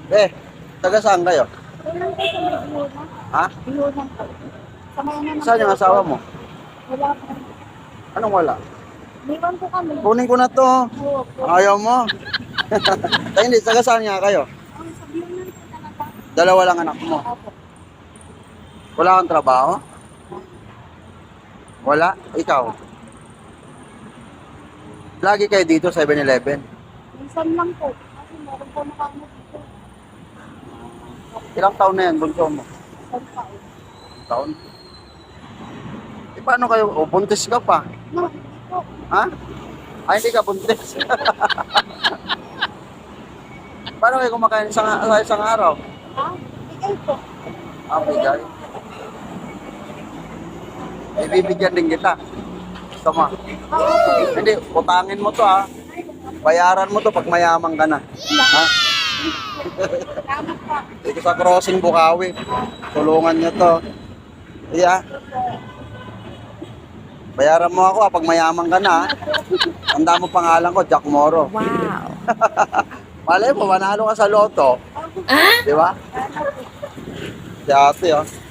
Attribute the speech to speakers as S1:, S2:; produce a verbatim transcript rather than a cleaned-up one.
S1: Eh, taga saan kayo?
S2: Kailan po sa may biyona?
S1: Ha?
S2: Biyona po. Sa may ano ng
S1: Saan yung asawa mo?
S2: Wala po.
S1: Anong wala?
S2: Liwan po kami.
S1: Kunin ko na to.
S2: Oo po.
S1: Ayaw mo. Tayo hindi, taga saan nga kayo?
S2: Ang sa biyona po talaga.
S1: Dalawa lang anak mo.
S2: Opo.
S1: Wala kang trabaho? Wala? Ikaw? Lagi kayo dito, seven eleven.
S2: Minsan lang po. Kasi meron po nakano dito.
S1: Ilang taon na yan, bunso mo?
S2: Isang taon.
S1: Taon? Eh, paano kayo? O, buntis ka pa.
S2: No, hindi po.
S1: Ha? Ay, hindi ka buntis. Paano kayo kumakain sa, sa isang araw?
S2: Ha? Bigay po.
S1: Ah, bigay. Ibibigyan din kita. Gusto mo?
S2: Oo po.
S1: Hindi, utangin mo to ha. Bayaran mo to pag mayaman ka na. Ha?
S2: Salamat po.
S1: Dito sa crossing Bukawi. Tulungan nyo to. Iya. Bayaran mo ako ha, pag mayaman ka na ha. Tanda mo pangalan ko, Jack Moro.
S3: Wow.
S1: Malay mo, manalo ka sa loto. Di ba? Si ate oh.